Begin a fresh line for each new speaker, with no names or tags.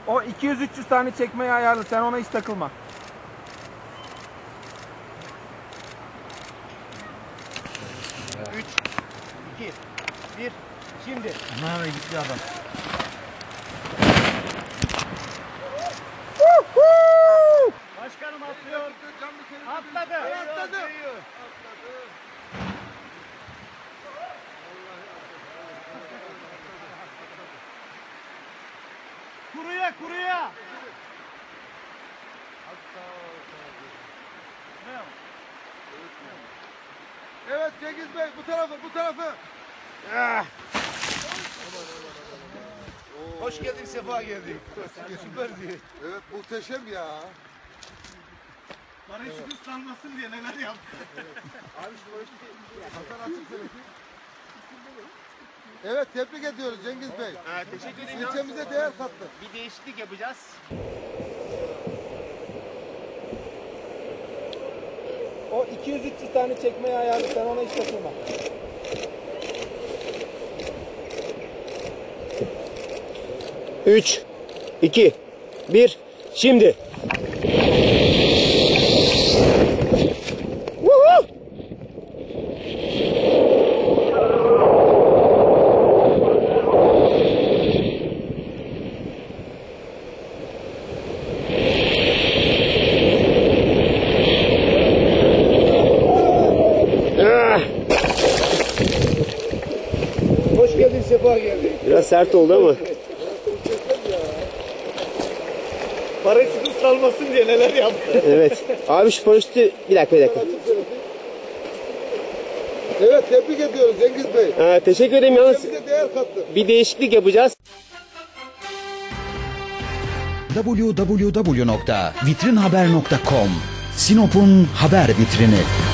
O 200-300 tane çekmeye ayarlı. Sen ona hiç takılma.
Üç, iki, bir, şimdi.
Ana gitti adam.
Başkanım atlıyor. Atladı. Atladı. Kuruya kuruya.
Evet Cengiz Bey bu tarafı bu tarafı.
Hoş geldin, sefa geldin. Süperdi.
Evet muhteşem ya.
Paraşütü salmasın diye neler yaptı.
Abi şu Hasan açık söyledi. Evet tebrik ediyoruz Cengiz Bey.
Teşekkür ederim.
İlçemize değer kattı.
Bir değişiklik yapacağız.
O 200-300 tane çekmeye ayarlı. Sen ona hiç takılma.
Üç, iki, bir, şimdi. Woohoo!
Hoş geldin sefa geldin.
Biraz sert oldu ama.
Paraşütü salmasın diye neler yaptı.
Evet. Abi şu paraşütü bir dakika.
Evet tebrik ediyoruz Cengiz Bey.
Teşekkür ederim yalnız.
İlçemize değer kattı.
Bir değişiklik yapacağız.
www.vitrinhaber.com Sinop'un haber vitrini.